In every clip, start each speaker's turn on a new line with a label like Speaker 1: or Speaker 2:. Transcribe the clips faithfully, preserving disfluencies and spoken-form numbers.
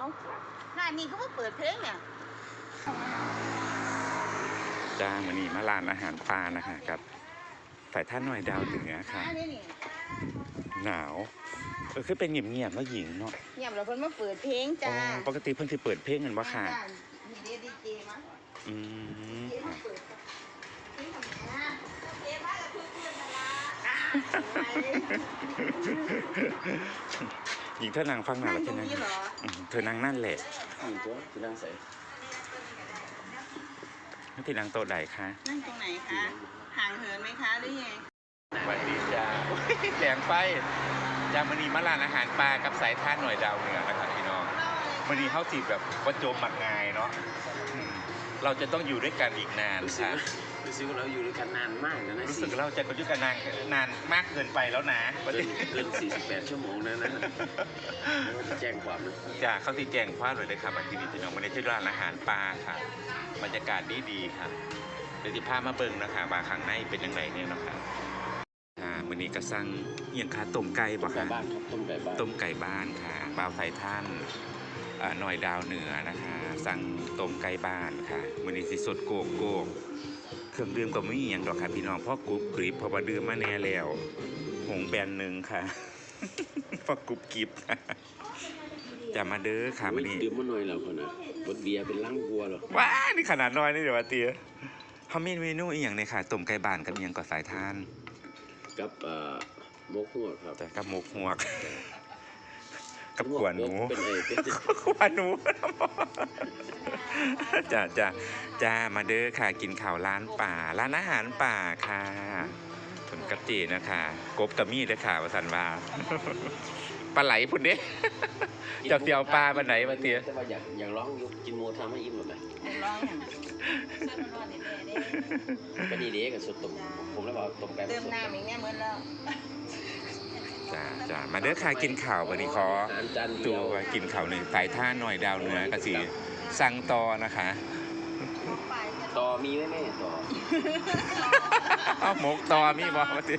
Speaker 1: เอาร้านนี้เขาเปิดเพลงเนี่ย
Speaker 2: จ้าวันนี้มาร้านอาหารปลานะคะกับฝ่ายท่าหน่อยดาวเหนือค่ะหนาวเออคือเป็นเงียบๆแล้วหญิงเนาะ
Speaker 1: เงียบแล้วเพิ่นมาเปิดเพลงจ้า
Speaker 2: ปกติเพิ่นสิเปิดเพลงกันบ่ค่ะ
Speaker 1: มีเดีเจมา
Speaker 2: อืมหญิงเธอนางฟังหน่อยแล้วใช่ไหมเธอนางนั่นแหละ
Speaker 3: หญิงตัวจะนั่งใส่
Speaker 2: นั่งที่นางโต๊ะใดคะ
Speaker 1: นั่งตรงไหนคะห่างเหินไหมคะหรือไง
Speaker 2: สวัสดีจ้าแสงไฟจามันนีมาร้านอาหารปลากับสายท่าหน่อยดาวเหนือนะครับพี่น้องมันนีเขาจีบแบบประโจมหมักงายเนาะเราจะต้องอยู่ด้วยกันอีกนานค่ะ
Speaker 3: รู้สึกว่าเราอยู่ด้วยกันนานมากนะนะ
Speaker 2: รู้สึกเราจะอยู่กันนานนานมากเกินไปแล้วนะ
Speaker 3: เกินเกินสี่สิบแปดชั่วโมงนะนะจะแจ้งความนะ
Speaker 2: จ้าเขาที่แจ้งความเลยเลยค่ะมาที่นี่พี่น้องมันในชื่อร้านอาหารปลาค่ะบรรยากาศดีดีค่ะเดี๋ยวที่พามาเบิ่งนะคะบาข้างในเป็นยังไงเนี่ยนะคะอ่ามื้อนี้ก็สั่งเอียงค่ะต้มไก่บ่ค่ะ
Speaker 3: ต้มไก่บ้าน
Speaker 2: ต้มไก่บ้านค่ะบ่าวไทยท่านหน่อยดาวเหนือนะคะสั่งต้มไก่บ้านค่ะมื้อนี้สิสดโกกโกกเครื่องดื่มก็ไม่มีอย่างดอกค่ะพี่น้องเพราะกรุบกริบเพราะว่าดื่มมาแน่แล้วหงแบนหนึ่งค่ะเพราะกรุบกริบจะมาเด้อค่ะมื้อนี้
Speaker 3: ดื่มมาหน่อยแล้วคนน่ะบดเบียร์เป็นล้างวัวหรอ
Speaker 2: ว้านี่ขนาดน้อยนี่เดี๋ยวว่าเตี้ยเขามีเมนูอีกอย่างเนี่ยค่ะต้มไก่บ้านกับอย่างก่อสายทาน
Speaker 3: กับมกหัวครับ
Speaker 2: แต่กับมกหัวกับขวานหนูขวานหนูจ้าจ้าจ้ามาเด้อค่ะกินข่าวร้านป่าร้านอาหารป่าค่ะผลกระจีนะคะกบกับมีดเลยค่ะวสันวาปลาไหลพุ่นเด้จะเตียวปลาปลาไหนมาเตี้ย
Speaker 3: แต่ว่าอยากอยากร้องกินโมทำให้อิ่มหรือไง
Speaker 1: ร้อง
Speaker 3: ก็นี่เด็กกับสุดตุ่มผมแล้วบอกตุ่มไก่
Speaker 1: เติมน้ำอย่างเงี้ยเหมือนแล้ว
Speaker 2: จ้าจ้ามาเด้อค่ะกินข่าววันนี้ขอตัวกินข่าวหนึ่งสายท่าหน่อยดาวเหนือกระสีสั่งต่อนะคะ
Speaker 3: ต่อมีไหมแม่ต่อ
Speaker 2: เอาหมกต่อมีบอกมาสิ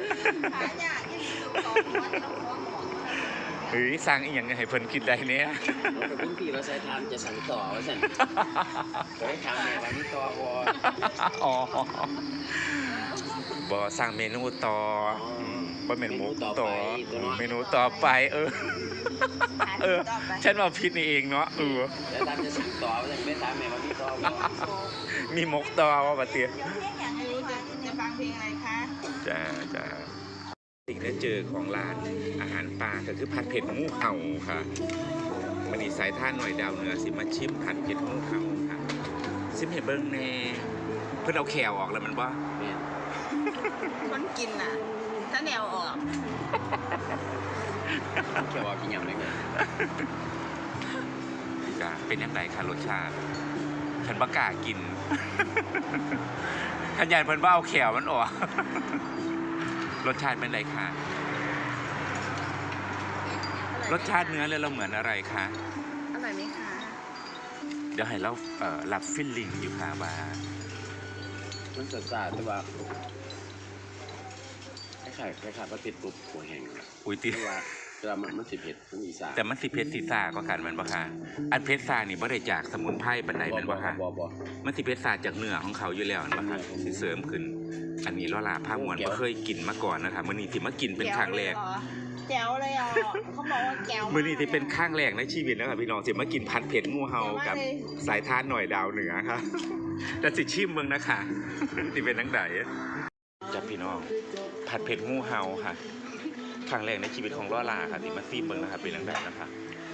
Speaker 2: เฮ้ยสั่งอีกอย่างให้เพิ่นกินได้เนี่ย
Speaker 3: เราเป็นพี่เราใช้ทานจะสั่งต่อว่าสั่นจะให้ทำเนี่ยวันนี้ต่อวอ
Speaker 2: อ๋อบ่สั่งเมนูต่อบ่เมนูต่อเมนูต่อไปเออเออฉันว่าผิดนี่เองเนาะเออ
Speaker 3: แล้วทำจะสั่งต่อว่าสั่นไม่ทำแม่วันนี้ต่อ
Speaker 2: มีหมกต่อว่าปะเตี้ย
Speaker 1: ไม่รู้จะจะฟังเพลงอะไรคะ
Speaker 2: จ้าจ้าสิ่งที่เจอของร้านอาหารป่าก็คือผัดเผ็ดหมูเห่าค่ะมันนี่สายท่าหน่อยดาวเหนือสิมาชิมผัดเผ็ดหมูเห่าค่ะซิมเห็นเบิ้งแน่เพื่อนเอาแขวออกแล้วมันว่า
Speaker 1: คนกินน่ะถ้าแนวออก
Speaker 3: แขวออกกินอย่างไรเงี้ย
Speaker 2: เป็นยังไงคะรสชาติฉันบักกากินขันยันเพิ่นว่าเอาแขวมันออกรสชาติเป็นไรคะรสชาติเนื้อเลยเราเหมือนอะไรคะ
Speaker 1: อร่อยไหมคะ
Speaker 2: เดี๋ยวให้เราเอ่อรับฟิลลิ่งอยู่ค่ะว่า
Speaker 3: มันสดสาแต่ว่าคล้ายๆคล้ายๆว่าเผ็ดปุ๊บหัวแห้ง
Speaker 2: อุ้ยตี
Speaker 3: ว่าแต่มันมันสิเผ็ดมันอีสาน
Speaker 2: แต่มันสิเผ็ดสีซ่าก็กันมันบ่ค่ะอันเผ็ดซ่านี่บ่ได้จากสมุนไพรปานใดมันบ่ค่ะมันสิเผ็ดซ่าจากเนื้อของเขาอยู่แล้วมันบ่ค่ะสิเสริมขึ้นอันนี้ล้อลาผ้ามวนบ่เคยกินมาก่อนนะคะมื้อนี้สิมากินเป็นครั้งแรก
Speaker 1: แจ๋วเลยอ่ะเขาบอกว่าแจ๋ว
Speaker 2: มื้อนี้สิเป็นครั้งแรกในชีวิตนะครับพี่น้องสิมากินผัดเผ็ดงูเห่ากับสายทานหน่อยดาวเหนือค่ะแต่สิชิมเบิ่งนะคะสิเป็นจังได๋จ้ะพี่น้องผัดเผ็ดงูเห่าค่ะครั้งแรกในชีวิตของล้อลาค่ะที่มาซีมเบิ่งนะครับเป็นจังได๋นะคะ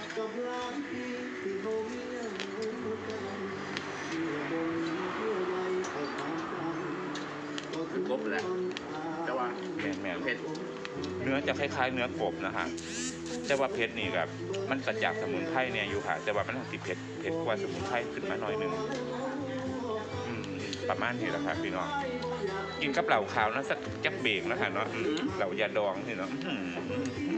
Speaker 3: กบแหละแต่ว่า
Speaker 2: แม่นแม่น
Speaker 3: เผ็ด
Speaker 2: เนื้อจะคล้ายๆเนื้อกบนะคะแต่ว่าเผ็ดนี่แบบมันกระจากสมุนไพรเนี่ยอยู่ค่ะแต่ว่ามันติดเผ็ดเผ็ดกว่าสมุนไพรขึ้นมาหน่อยนึงประมาณนี้แหละค่ะพี่น้องกินกับเหล่าขาวนะสักจักเบรกนะคะเนาะเหล่ายาดองนี่เนาะ